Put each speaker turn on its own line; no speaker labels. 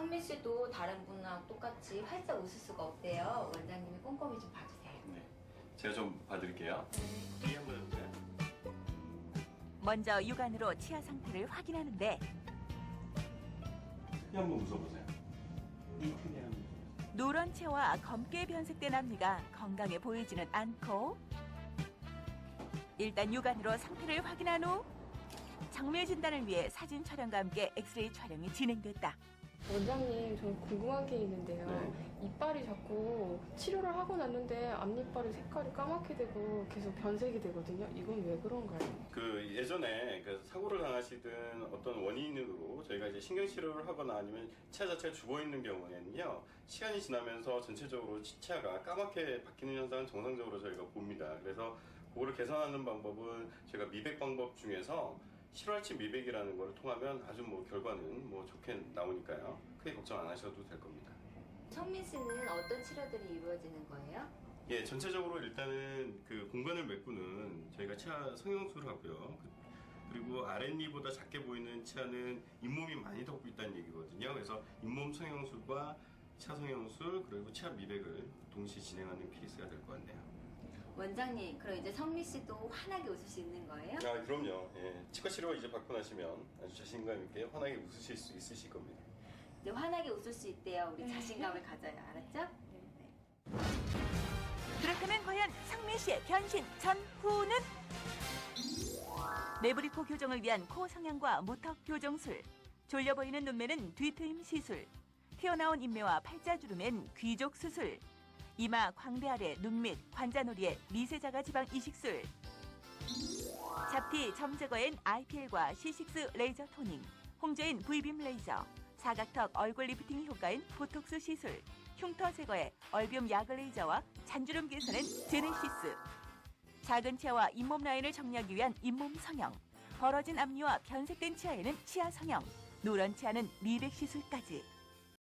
성민 씨도 다른 분하고 똑같이 활짝 웃을 수가 없대요. 원장님이 꼼꼼히 좀 봐주세요.
네, 제가 좀 봐드릴게요. 뒤에 한번 해볼까요?
먼저 육안으로 치아 상태를 확인하는데
크게 한번 웃어보세요. 크게 한번.
누런 치아와 검게 변색된 앞니가 건강해 보이지는 않고 일단 육안으로 상태를 확인한 후 정밀 진단을 위해 사진 촬영과 함께 엑스레이 촬영이 진행됐다.
원장님, 저는 궁금한 게 있는데요.
네.
이빨이 자꾸 치료를 하고 났는데 앞니빨이 색깔이 까맣게 되고 계속 변색이 되거든요. 이건 왜 그런가요?
그 예전에 그 사고를 당하시든 어떤 원인으로 저희가 이제 신경치료를 하거나 아니면 치아 자체가 죽어 있는 경우에는요, 시간이 지나면서 전체적으로 치아가 까맣게 바뀌는 현상은 정상적으로 저희가 봅니다. 그래서 그거를 개선하는 방법은 저희가 미백 방법 중에서 실활치 미백이라는 걸 통하면 아주 결과는 좋게 나오니까요. 크게 걱정 안 하셔도 될 겁니다.
성민 씨는 어떤 치료들이 이루어지는 거예요?
예, 전체적으로 일단은 그 공간을 메꾸는 저희가 치아 성형술을 하고요. 그리고 아랫니보다 작게 보이는 치아는 잇몸이 많이 덮고 있다는 얘기거든요. 그래서 잇몸 성형술과 치아 성형술 그리고 치아 미백을 동시에 진행하는 케이스가 될 것 같네요.
원장님, 그럼 이제 성민 씨도 환하게 웃을 수 있는 거예요?
아, 그럼요. 예, 치과 치료 이제 받고 나시면 아주 자신감 있게 환하게 웃으실 수 있으실 겁니다.
이제 환하게 웃을 수 있대요. 우리 자신감을 가져요. 알았죠? 네.
그렇다면 과연 성민 씨의 변신 전후는? 내부리 코 교정을 위한 코 성형과 무턱 교정술, 졸려 보이는 눈매는 뒤트임 시술, 튀어나온 인매와 팔자주름엔 귀족 수술, 이마, 광대 아래, 눈 밑, 관자놀이에 미세자가 지방 이식술, 잡티, 점 제거엔 IPL과 C6 레이저 토닝, 홍조인 V빔 레이저, 사각턱 얼굴 리프팅 효과인 보톡스 시술, 흉터 제거에 얼비움 야그 레이저와 잔주름 개선엔 제네시스, 작은 치아와 잇몸 라인을 정리하기 위한 잇몸 성형, 벌어진 앞니와 변색된 치아에는 치아 성형, 노란 치아는 미백 시술까지